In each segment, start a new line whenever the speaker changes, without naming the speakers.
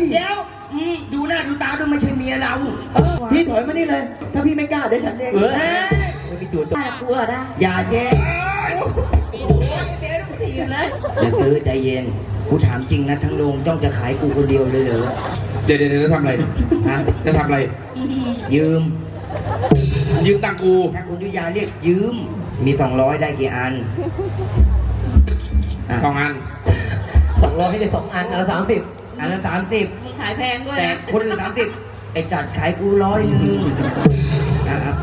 เดี๋ยวดูหน้าดูตาดูไม่ใช่เมียเรา
พี่ถอยมานี่เลยถ้าพี่ไม่กล้าเดี๋ยวฉันเอง
ไม่มีจู่โจม
กลัวได้
อย่าเจ๊เดี๋ยวซื้อใจเย็นกูถามจริงนะทั้งโรงจ้องจะขายกูคนเดียวเลยเหรอ
เดี๋ยวจะทำอะไร
ฮะ
จะทำอะไร
ยืม
ตังกู
ถ้าคุณยุยาเรียกยืมมี200ได้กี่อัน
2 อัน
200ให้ได้2 อันอันละ30
อันละ30
มึงขายแพงด้วย
แต่คนอื่น30ไอ้จัดขายกู100นึงไป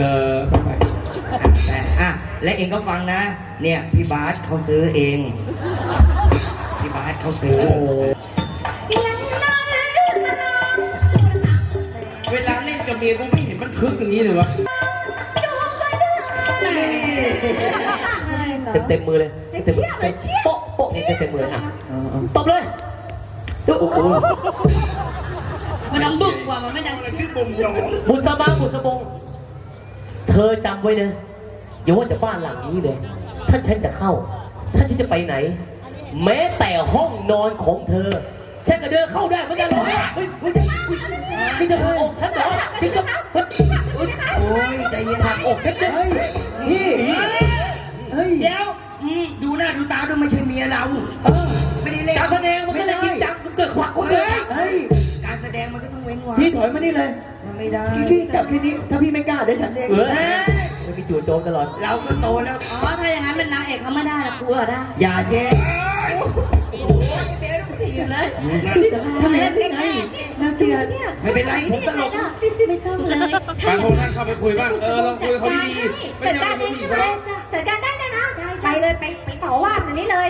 และเองก็ฟังนะเนี่ยพี่บาสเขาซื้อเองพี่บาสเขาซื้อ
เวลาเล่นกับเมียกูไม่เห็นมันคึกอย่างนี้เลยวะ
เต็มมือเลยเชี่ยโป๊ะนี่เต็มมืออ่ะตบเลยโอ้โห
มันดังบึกกว่ามันไม่ดังชื่อบุ
บุษบงเธอจำไว้นะอย่าว่าแต่บ้านหลังนี้เลยถ้าฉันจะเข้าถ้าฉันจะไปไหนแม้แต่ห้องนอนของเธอฉันก็เดินเข้าได้เหมือนกันเลยพี่จะอกฉันเหรอพี่จะ
โอ้ยใจเย็นหัก
อกฉันจะ
พี่เดี๋ยวดูหน้าดูตาดูไม่ใช่เมียเราไม่ได้เล่น
การแสดงมันก็เลยจริงจังเกิดขวักก็เกิด
การแสดงมันก็ต้องเว้นวรรค
พี่ถอยมานี่เลย
ไม่ได้
พี่กลับแค่นี้ถ้าพี่ไม่กล้าเดี๋ยวฉันเอง
ไม่มีจู่โจมตลอด
เราก็โตแล้ว
ถ้าอย่างนั้นเป็นนางเอกเขาไม่ได้ละกลัวได้
อย่าเจ๊
ทำไมได้ไงน่าเกลียด
ไม่เป็นไรผมตลก
ไม่ต้องเลย
บางคนท่านเข้าไปคุยบ้างลองคุยเขาดีๆไม่ใช่ไม่ใช่
จัดการได้นะไปเลยไปต่อว่าอันนี้เลย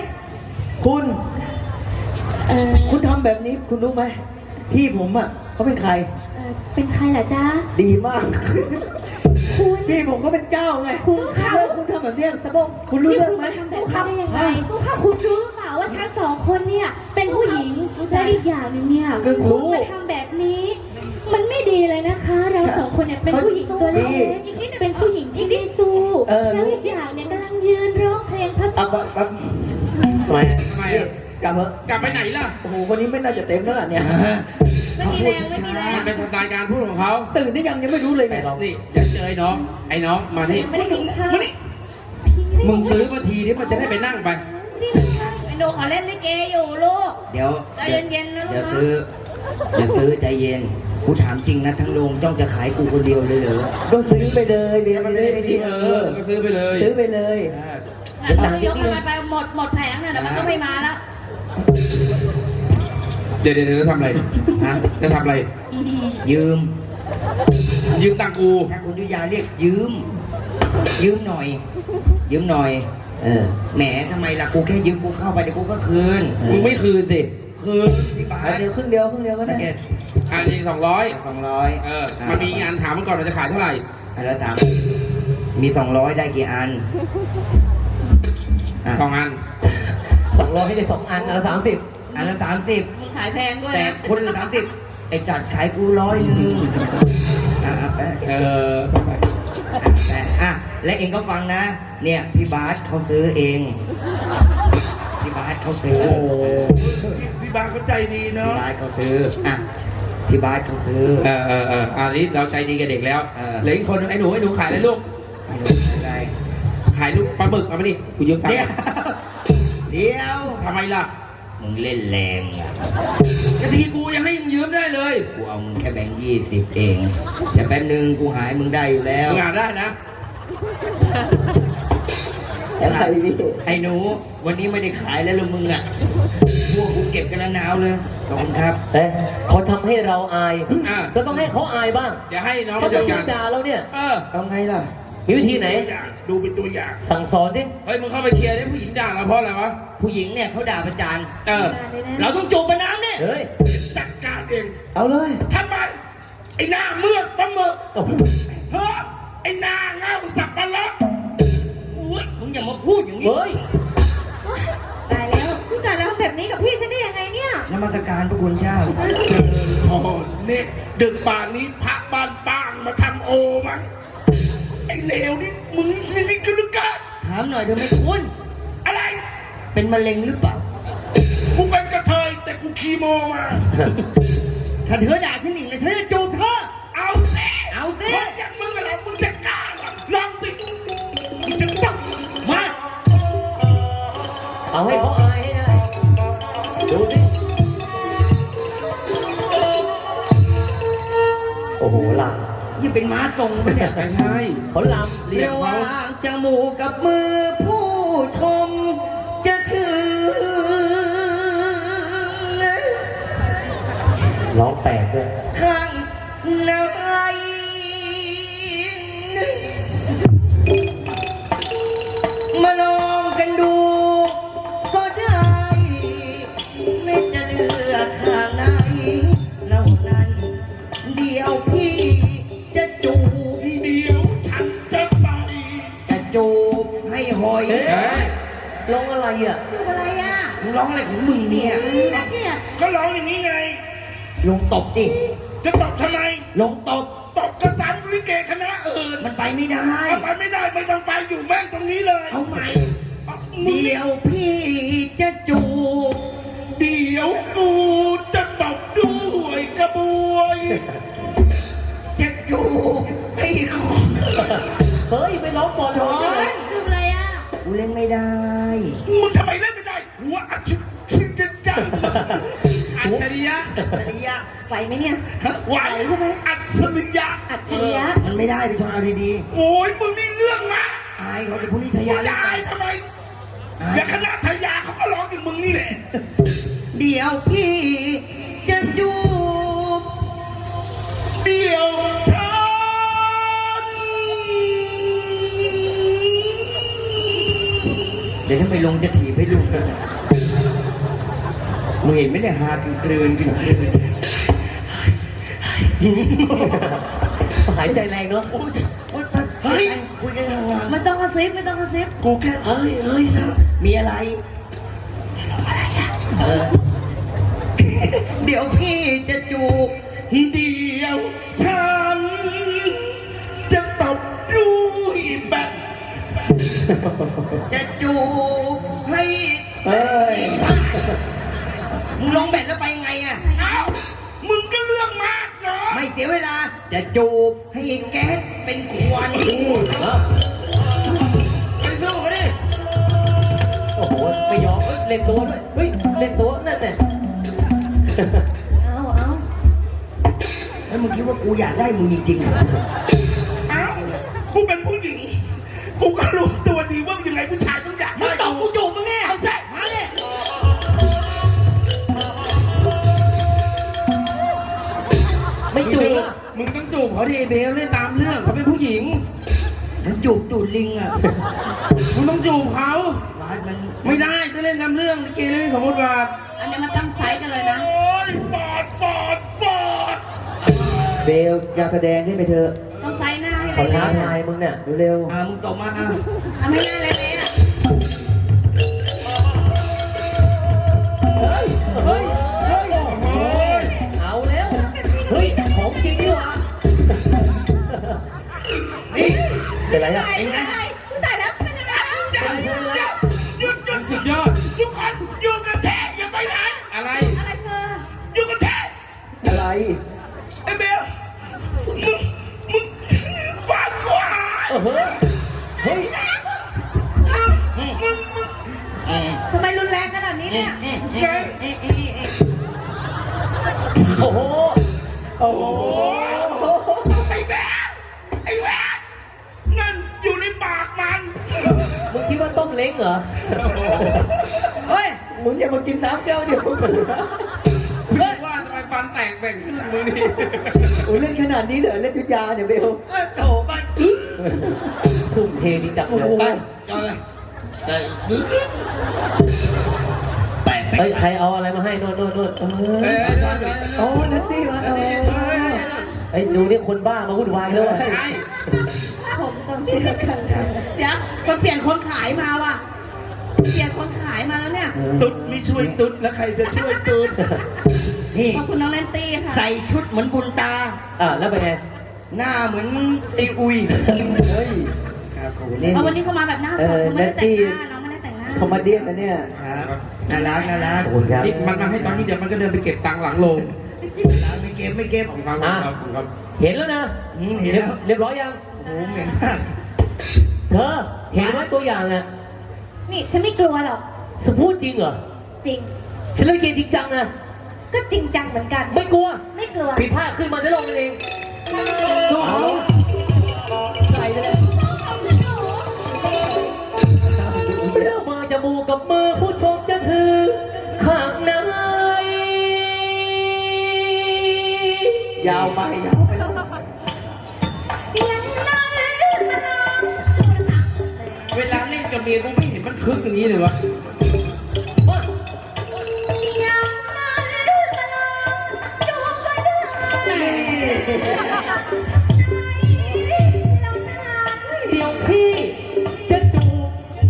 คุณทำแบบนี้คุณรู้ไหมพี่ผมอ่ะเขาเป็นใคร
เป็นใครล่ะจ๊ะ
ดีมากพี่ผมเขาเป็นเจ้าไงคุณทำแบบนี้สบงคุณรู้เรื่องไหม
สู้เขาได้ยังไงสู้เขาคุณรู้หรือเปล่าว่าฉัน2 คนเนี่ยเป็นผู้หญิงและอีกอย่างนึงเนี่ยคุณมาทำแบบนี้มันไม่ดีเลยนะคะเรา2 คนเนี่ยเป็นผู้หญิงตัวเล็กเป็นผู้หญิงที่ไม่สู้แล้วอีกอย่างเนี่ยกำลังยืนร้องเพลงพับ
ทำไม
กลับ
ไปไหนล่ะ
โอ้โหคนนี้ไม่น่าจะเต็มแล้วล่ะเนี่ย
ไม่มีแรง
มันเป็นสไตล์การพูดของเขา
ตื่นได้ยังไม่รู้เลยไง
นี่เดี๋ยวเจอไอ้น้องมานี่
ไม่ได้กินข้าว
มึงซื้อมาทีนี้มันจะได้ไปนั่งไป
ไอ้โดเขาเล่นลิเกอยู่ลูก
เดี๋ยว
ใจเย็นๆนะ
เดี๋ยวซื้อใจเย็นกูถามจริงนะทั้งโรงจ้องจะขายกูคนเดียวเลยเหรอ
ก็ซื้อไปเลยเดี๋ยวมันไม่ดี
ก็ซื้อไปเลย
ซื้อไปเลย
เรายกไปหมดแผงเนี่ยมันก็ไม่มาแล้ว
เดี๋ยวจะทำอะไรจะทำอะไร
ยืม
ตังกู
ถ้าคุณยุยาเรียกยืมหน่อยแหมทำไมล่ะกูแค่ยืมกูเข้าไปเดี๋ยวกูก็คืน
มึงไม่คืนสิ
คืนพี่บาส
เดี๋ยวครึ่งเดียวก็ได้
อันนี้200มันมีอันถามมันก่อนเราจะขายเท่าไหร่
อันละ3มี200ได้กี่อัน
2 อัน
200ให้ได้2 อันอันละ30
อันละ30
มึงขายแพงด้วย
แต่คนอื่น30ไอ้จัดขายกู100นึงและเองก็ฟังนะเนี่ยพี่บาสเขาซื้อเองพี่บาสเขาซื้อ
พี่บาสเขาใจดีเนาะ
พี่บาสเขาซื้อพี่บาสเขาซื้อ
อันนี้เราใจดีกับเด็กแล้วเหลืออีกคนไอ้หนูขายอะไรลูกขายลูกปลาหมึกเอามาดิกูยืมตังค์
เดี๋ยว
ทำไมล่ะ
มึงเล่นแรง
กะทีกูยังให้มึงยืมได้เลย
กูเอามึงแค่แบงค์20เองแต่แป๊บนึงกูหายมึงได้อยู่แล้ว
มึงหาได้นะ
อะไรพี่ไอ้หนูวันนี้ไม่ได้ขายแล้วมึงพวกกูเก็บกันแล้วหนาวเลยขอบคุณครับ
เขาทำให้เราอายก็ต้องให้เขาอายบ้าง
อย่าให้น้อง
เขาต้องด่าเราเนี่ย
เอาไงล่ะ
มีวิธีไหน
ดูเป็นตัวอย่าง
สั่งสอนดิ
เฮ้ยมึงเข้าไปเคลียร์ดิผู้หญิงด่าเราเพราะอะไรวะ
ผู้หญิงเนี่ยเขาด่าประจานเราต้องจูบประน้ำเนี่ย
จัดการเอง
เอาเลย
ทำไมไอ้หน้าเมือกปลาหมึกเฮ้ยไอ้หน้าเงาสับปะรด
อุ้ยมึงอย่ามาพูดอย่างนี้
ตายแล้วแบบนี้กับพี่ฉันได้ยังไงเนี่ย
นมัสการพระคุณเจ้า
เนี่ยดึกป่านนี้พระบ้านป้างมาทำโอมั้งไอ้เลวนี่มึงนี่กลึกกัน
ถามหน่อยเธอไม่คุ้น
อะไร
เป็นมะเร็งหรือเปล่า
กูเป็นกระเทยแต่กูคิดคีโมมา
ถ้าเธอด่าฉันอีกนะฉันจะจูบเธอ
เอาสิ
เอาสิ
คนอย่างมึงอะเหรอมึงจะกล้าเหรอลองสิมึงจะต้อง
มา
เอาให้เขาอายให้ได้ดูสิโอ้โหล
อย่าเป็นม้าทรงปะเนี่ย
ไม่ใช่
ำเขาลำเรียก
ระห
เขา
ว่างจมูกกับมือผู้ชม จะถือ
ร้องแปลกด้วย
ข้างในมาลองกันดูก็ได้ ไม่จะเลือกข้างไหนเล่านั้น เดี๋ยวพี่จะจูบ
เดี๋ยวฉันจะไป
จะจูบให้หอย
เอ๊ะร้องอะไรอ่ะ
ชื่ออะไรอ่ะ
มึงร้องอะไรของมึงเนี่ย
นี่นะเนี่ย
ก็ร้องอย่างนี้ไง
ลงตบดิ
จะตบทำไม
ลงตบ
ตบกระสันลิเกคณะอื่น
มันไปไม่ได้
เอาไปไม่ได้ไม่ต้องไปอยู่แม่งตรงนี้เลย
เอาใหม่
เอามึง
เดี๋ยวพี่จะจูบ
เดี๋ยวกูจะตบด้วยกระบวย
จะจูบให้คอ
เฮ้ยไปร้องบอล
จ
ร้
อ
องอะไร
น
ชื่ออะไรอ่ะ
กูเล่นไม่ได้
มึงทำไมเล่นไม่ได้หัวอัจฉริยะอัจฉริยะ
อัจฉริยะ
ไหวไหมเนี่ย
ไหว
ใช่ไหม
อัจฉริยะ
อัจฉริยะ
มันไม่ได้ไปชอนเอาดี
โอ้ยมึงนี่เรื่องมาก
ๆ อายเขาเป็นผู้นิช
มึ
ยาง เล่
จะ
นกั
อาย
น
ทำไม
อาย
อย่าคณะชายาเขาก็ร้องอย่างมึงนี่แหละ
เดี๋ยวพี่จะจูบ
เดี๋ยวฉัน
เดี๋ยวถ้าไปลงจะถีบให้ดูมึงเห็นไหมเนี่ยฮากินคลืนกินคลืน
หายใจแรงเนาะ
โอ๊ยโอ๊ยเฮ้ยคุยกันทางงาน
ไม่ต้องกระซิบไม่ต้องกระซิบ
กูแค่เฮ้ยเฮ้ยนะมีอะไรเออ เดี๋ยวพี่จะจูบ
เดี๋ยวฉันจะตบด้วยแบต
จะจูบให้
เฮ้ย
มึงลงแบตแล้วไปยังไงอะ
เอ้ามึงก็เรื่องมากเนาะ
ไม่เสียเวลา จะจูบให้แก๊สเป็นควัน
ไปสู้มาดิ โอ้โห ไม่ยอมเอ้ยเล่นตัวด้วย เฮ้ย เล่นตัวนั่นแหละ
เอาเอา
แล้วมึงคิดว่ากูอยากได้มึงจริงๆเหรอ
เอ้ากูเป็นผู้หญิง กูก็รู้ตัวดีว่ายังไงผู้ชายต้องอยาก
มึง
ได้
ตอบกูจูบมึงแน่
เอาสิ
มาเลย
ไม่จูบอ่ะ
มึงต้องจูบเขาดิเบลเล่นตามเรื่องเขาเป็นผู้หญิง
มันจูบตูดลิงอ่ะ
มึงต้องจูบเขา
วาดมัน
ไม่ได้จะเล่นตามเรื่องลิเกเล่นสมมติว่า
อันนี้มันตั้งไซส์กันเลยนะ
โอ้ยปอดปอดปอด
เบลจะแสดงขึ้นไปเถอะ
ต้องไซส์หน้าให้
เขา
เลย
ท้าทายมึงเนี่ย
เร็ว
มึงตบมาอ่ะ
ทำให้หน้าเละๆอ่ะ
เฮ้ย เฮ้ย เฮ้ย เอาแล้ว เฮ้ย ของจริงดีว่ะ
นี่
เป็นไรอ่ะ
เป็นไง
ตายแล้วเป็นยังไง
เดี๋ยวเดี๋ยวเดี๋ยวหยุดหยุด
สุดยอด
หยุดก่อนหยุดกันแท้อย่าไปไหน
อะไร
อะไรเธอ
หยุดกันแท้
อะไร
ไอ้เบลมึงปาดขวา
เฮ้ย เฮ้ย
ทำไมรุนแรงขนาดนี้เนี่ย
แก
โอ้โห
โอ้โห
ไอ้แบลไอ้แบลนั่นอยู่ในปากมัน
มึงคิดว่าต้มเล้งเหรอ
เฮ้ย
มึงอย่ามากินน้ำแก้วเดียวกันนะ
ว่าทำไมฟันแตกแบ่งครึ่งมือนี่
โอ้เล่นขนาดนี้เหรอเล่นยุทธยาเนี่ยเบล
โถไป
ทุ่มเทดีจังเลย
ไปจอดเลยแปะ
เฮ้ย ใครเอาอะไรมาให้โน่นโน่นโน่น
โอ้นัตตี้มาเอา
เฮ้ยดูนี่คนบ้ามาวุ่นวายแล้วอ่ะ
ผมทรงเดียวกันเดี๋ยวมันเปลี่ยนคนขายมาว่ะ เปลี่ยนคนขายมาแล้วเนี่ย
ตุ๊ดไม่ช่วยตุ๊ดแล้วใครจะช่วยตุ๊ด
นี่
ขอบคุณน้องแนนตี้ค่ะ
ใส่ชุดเหมือนบุญตา
อ่ะแล้วเป็นไง
หน้าเหมือนซีอุย
เฮ้ย
ครับผม
นี่
เอาวันนี้เขามาแบบหน้าสดเขาไม่ได้แต่งหน้าน้องไม่ได้แต่งหน้า
คอมเมดี้นะเนี่ย
ครับน่ารักน่ารัก
ขอบคุณครับ
นี่มันมาให้ตอนนี้เดี๋ยวมันก็เดินไปเก็บตังค์หลังโรง
ไม่เก็บไม่เก็บ
ของครับของครับ
เห็นแล้วนะ
เห็นแล้ว
เรียบร้อยยัง
โอ้โหเหม็นมาก
เธอ เห็นไหมตัวอย่างอ่ะ
นี่ฉันไม่กลัวหรอก
สพูดจริงเหรอ
จริง
ฉันเล่นเกมจริงจังนะ
ก็จริงจังเหมือนกัน
ไม่กลัว
ไม่กลัว
ผิดพลาดขึ้นมาได้ลงกันเอง
สู้เขาใส่ไปเลย
เรื่องมาจมูกกับมือผู้ชมจะถือข้างใน
ยาวไปยาวไปแล้ว
เวลาเล่นกับเมียกูไม่เห็นมันคึกอย่างนี้เลยวะ
เดี๋ยวพี่จะจูบ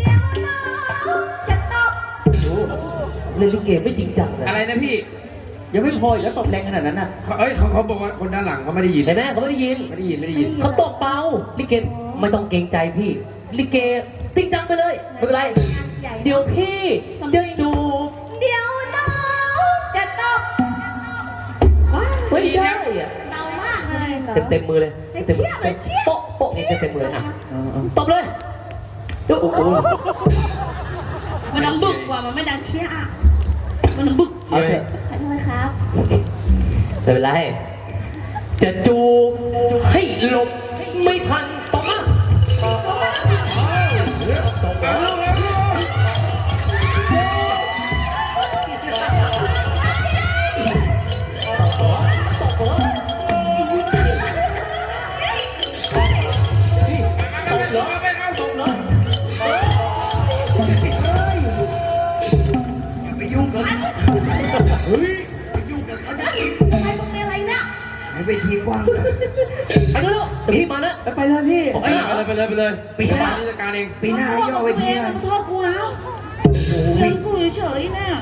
เล่นลิเกไม่จริงจังเลย
อะไรนะพี่
ยังไม่พออีกแล้วตบแรงขนาดนั้นน่ะ
เขาบอกว่าคนด้านหลังเขาไม่ได้ยิน
เห็นไหมเขาไม่ได้ยิน
ไม่ได้ยินไม่ได้ยิน
เขาตบเบาลิเกไม่ต้องเกรงใจพี่ ลิเกจริงจังไปเลยไม่เป็นไร เดี๋ยวพี่จะจูบ
เดี๋ยวน้องจะตบ
ไม่ได้อะ
เบามากเลยเหรอ
เต็มมือเลย
เชี่ยเลยเชี่ย
โป๊ะโป๊ะนี่เต็มมือเลยอ่ะ
เอา
ตบเลยจุ๊บ
โอ้โห
มันดังบึกกว่ามันไม่ดังเชี่ยอะมันดังบึก
เอาเถอะ
ขอโทษครับ
ไม่เป็นไร จะจูบให้หลบไม่ทันตบมาตบเลยตบเลย
อย่าไปยุ่งกับเฮ้ยไปยุ่งกับเขาได้
ทำไมมึงมีอะไรเนี่ย
ให้เวทีกว้าง
ไปดูเดี๋ยวพี่มาแล้ว
ไปเลยพี่
ไปเลยไปเลย
ปีหน้า
จัดการเอง
ปีหน้าให้ย่อเวทีหน่อย
โทษกูแล้ว
โอ้โห
เรื่องกูเฉยๆเนี่ย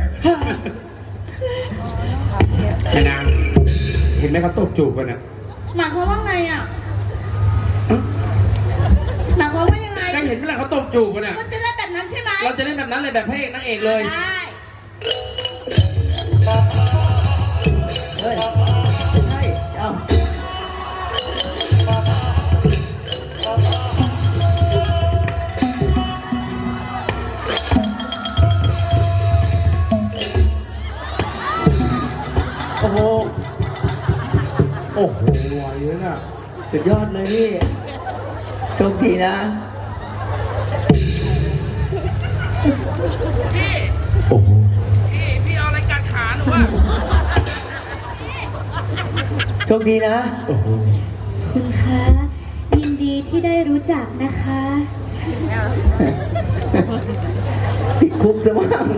ไอ้นางเห็นไหมเขาตบจูบกันอ่ะ
หมายความว่าไงอ่ะหมายความว่ายังไง
ก็เห็นเวลาเขาตบจูบกันอ่ะ
ก็จะได้แบบนั้นใช่ไหม
เราจะเล่นแบบนั้นเลยแบบพระเอกนางเอกเลย
ได้
เฮ้ยใช่เอา
โอ้โห โอ้โหไหวเลยน่ะ
สุดยอดเลยพี่โชคดีนะ
โอ้โห
โชคดีนะ
โอ้โห
คุณคะ ยินดีที่ได้รู้จักนะคะ
ติดคุกซะมั่ง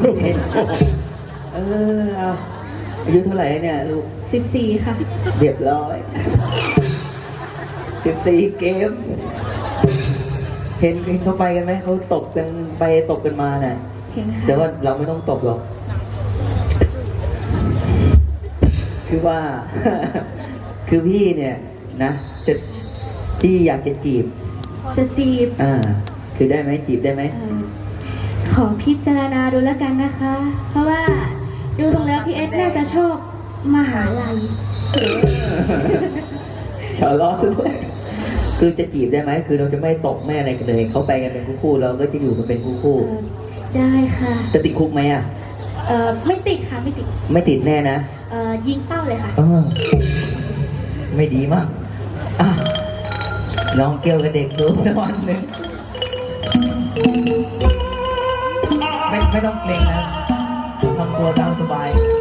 เอาอายุเท่าไหร่เนี่ยลูก
14 ค่ะ
เรียบร้อย14 เกม เห็นเขาไปกันไหม เขาตบกันไปตบกันมาน่ะ
เห็นค่ะ
แต่ว่าเราไม่ต้องตบหรอก คือว่า คือพี่เนี่ยนะจะพี่อยากจะจีบ
จะจีบ
คือได้ไหมจีบได้ไหม
ขอพิจารณาดูแล้วกันนะคะ เพราะว่าดูตรงแล้วพี่เอสน่าจะชอบมหาลัย
ชาวล้อด้วยคือจะจีบได้ไหม คือเราจะไม่ตกแม่อะไรกันเลย เขาไปกันเป็นคู่ๆเราก็จะอยู่กันเป็นคู่
ได้ค่ะ
ๆจะติดคุกไหมอ่ะ
ไม่ติดค่ะ ไม่ติด
ไม่ติดแน่นะ
ยิงเป้าเลยค่ะ
ไม่ดีมากอ่ะลองเกี่ยวกับเด็กดูสักวันหนึ่งไม่ต้องเกรงนะทำตัวตามสบาย